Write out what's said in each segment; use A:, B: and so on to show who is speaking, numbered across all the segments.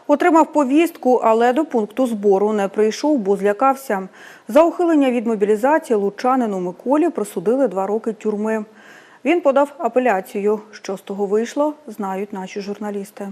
A: Отримав повістку, але до пункту збору не прийшов, бо злякався. За ухилення від мобілізації лучанину Миколі присудили 2 роки тюрми. Він подав апеляцію. Що з того вийшло, знають наші журналісти.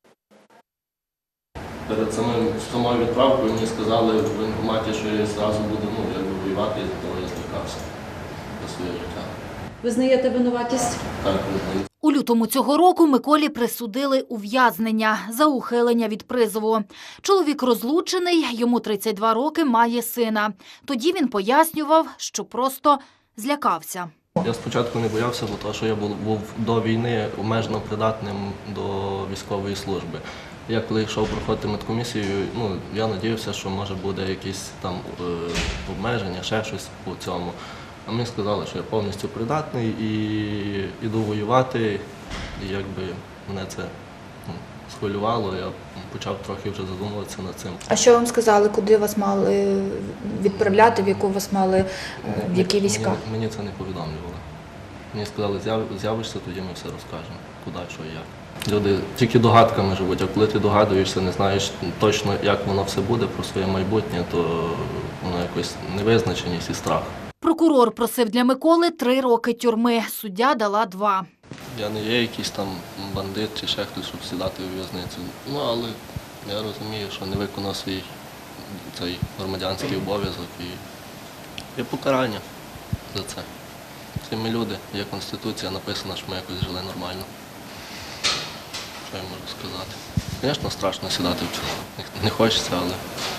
B: Перед самою відправкою мені сказали в воєнкоматі, що я зразу буду воювати, тому я злякався за своє життя.
C: Визнаєте винуватість?
B: Так, визнаю.
D: У лютому цього року Миколі присудили ув'язнення за ухилення від призову. Чоловік розлучений, йому 32 роки, має сина. Тоді він пояснював, що просто злякався.
B: Я спочатку не боявся, бо що я був до війни обмежено придатним до військової служби. Я коли йшов проходити медкомісію, я сподівався, що може буде якісь там обмеження, ще щось по цьому. А мені сказали, що я повністю придатний і йду воювати, і якби мене це схвилювало, я почав трохи вже задумуватися над цим.
C: А що вам сказали, куди вас мали відправляти, в яку вас мали, в які війська?
B: Мені це не повідомлювали. Мені сказали, з'явишся, тоді ми все розкажемо, куди, що і як. Люди тільки догадками живуть, а коли ти догадуєшся, не знаєш точно, як воно все буде про своє майбутнє, то воно якось невизначеність і страх.
D: Прокурор просив для Миколи 3 роки тюрми, суддя дала 2.
B: Я не є якийсь там бандит чи ще хтось, щоб сідати у в'язницю. Але я розумію, що не виконав свій цей громадянський обов'язок і є покарання за це. Всі ми люди, є Конституція, написано, що ми якось жили нормально. Що я можу сказати? Звісно, страшно сідати в тюрму. Не хочеться, але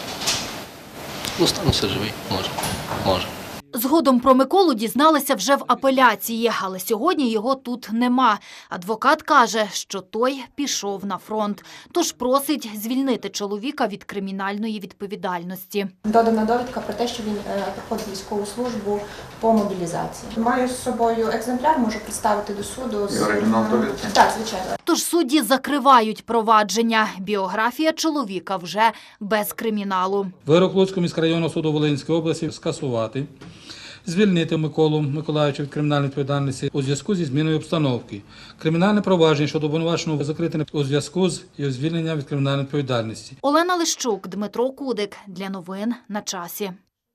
B: остануся живий, може.
D: Згодом про Миколу дізналися вже в апеляції, але сьогодні його тут нема. Адвокат каже, що той пішов на фронт, тож просить звільнити чоловіка від кримінальної відповідальності.
E: Додана довідка про те, що він проходить військову службу по мобілізації. Маю з собою екземпляр, можу представити до суду. Так, звичайно.
D: Тож судді закривають провадження. Біографія чоловіка вже без криміналу.
F: Вирок Луцького міськрайонного суду Волинської області скасувати. Звільнити Миколу Миколайовича від кримінальної відповідальності у зв'язку зі зміною обстановки. Кримінальне провадження щодо обвинуваченого закрите у зв'язку з його звільненням від кримінальної відповідальності.
D: Олена Лищук, Дмитро Кудик. Для новин на часі.